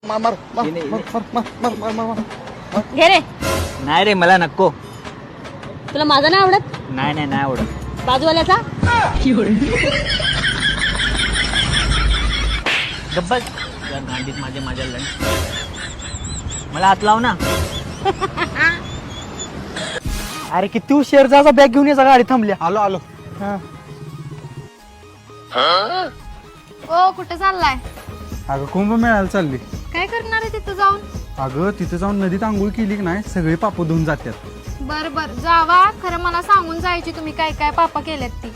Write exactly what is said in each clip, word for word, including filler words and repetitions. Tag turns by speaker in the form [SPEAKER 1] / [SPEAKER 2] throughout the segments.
[SPEAKER 1] मार मार मार मार मार मार मार मार
[SPEAKER 2] घे रे.
[SPEAKER 3] नाही रे मला नको.
[SPEAKER 2] तुला माझा नाही आवडत?
[SPEAKER 3] नाही नाही नाही आवडत.
[SPEAKER 2] बाजूवाल्याचा?
[SPEAKER 3] गब्बस या गांडीत माझे माझ्या लंड मला हात लाव ना.
[SPEAKER 1] अरे किती उशीर जा बॅग घेऊन याचा गाडी थांबल्या. आलो आलो.
[SPEAKER 4] ओ कुठे चाललाय?
[SPEAKER 1] अगं कुंभमेळ्याला चालली.
[SPEAKER 4] काय करणार आहे तिथं जाऊन?
[SPEAKER 1] अगं तिथे जाऊन नदीत आंघोळ केली की नाही सगळे पाप धुवून जातात.
[SPEAKER 4] बर बर जावा, खरं मला सांगून जायची तुम्ही काय काय पापा केलेत ती.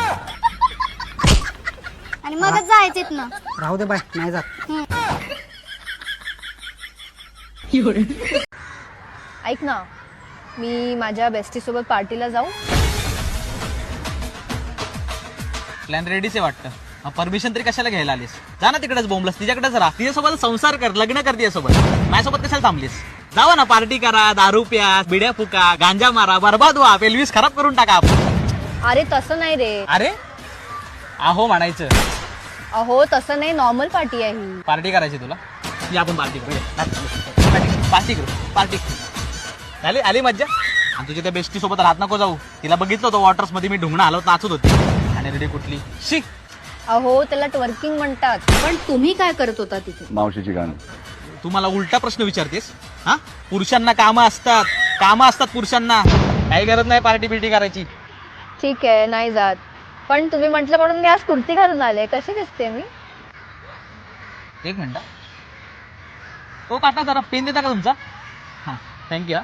[SPEAKER 4] आणि मगच जायचेत ना.
[SPEAKER 1] राहू दे बाय नाही जात.
[SPEAKER 5] ऐक ना, मी माझ्या बेस्टी सोबत पार्टीला जाऊ?
[SPEAKER 3] प्लॅन रेडीच आहे वाटतं. परमिशन तरी कशाला घ्यायला आलीस? जा ना तिकडेच बोंबलस, तिच्याकडेच राहा, तिच्यासोबत संसार कर, लग्न कर तिच्यासोबत. माझ्यासोबत कशाला थांबलीस? जावा ना, पार्टी करा, दारू प्या, बिड्या फुका, गांजा मारा, बरबाद व्हा, पेल्विस खराब करून टाका आपण.
[SPEAKER 5] अरे तसं नाही रे.
[SPEAKER 3] अरे आहो म्हणायचं.
[SPEAKER 5] अहो तसं नाही, नॉर्मल पार्टी आहे ही.
[SPEAKER 3] पार्टी करायची तुला? या आपण पार्टी करू, पार्टी करू, पार्टी. आली आली मज्जा. आणि तुझ्या त्या बेस्टी सोबत राहत नको जाऊ. तिला बघितलं होतं वॉटर्स मध्ये मी ढुंगणं हलवत नाचत होती. आणि रेडी कुठली शी.
[SPEAKER 5] अहो त्याला ट्वर्किंग म्हणतात. पण तुम्ही काय करत होता तिथे?
[SPEAKER 6] मावशीची गाणं.
[SPEAKER 3] तू मला उलटा प्रश्न विचारतेस? हा, पुरुषांना कामं असतात, कामं असतात पुरुषांना. काही गरज नाही पार्टी बिर्टी करायची.
[SPEAKER 5] ठीक आहे नाही जात, पण तुम्ही म्हटलं म्हणून मी आज कुर्ती घालून आले. कशी दिसते मी?
[SPEAKER 3] एक मिनिट. तो काटा जरा पेन देता का तुमचा? हा थँक्यू.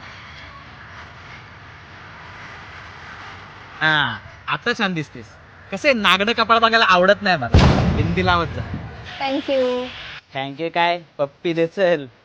[SPEAKER 3] हा आता छान दिसतेस. कसे नागडं कपाळ बघायला आवडत नाही मला. बिंदी लावत जा.
[SPEAKER 5] थँक्यू.
[SPEAKER 3] थँक्यू काय पप्पी दे चल.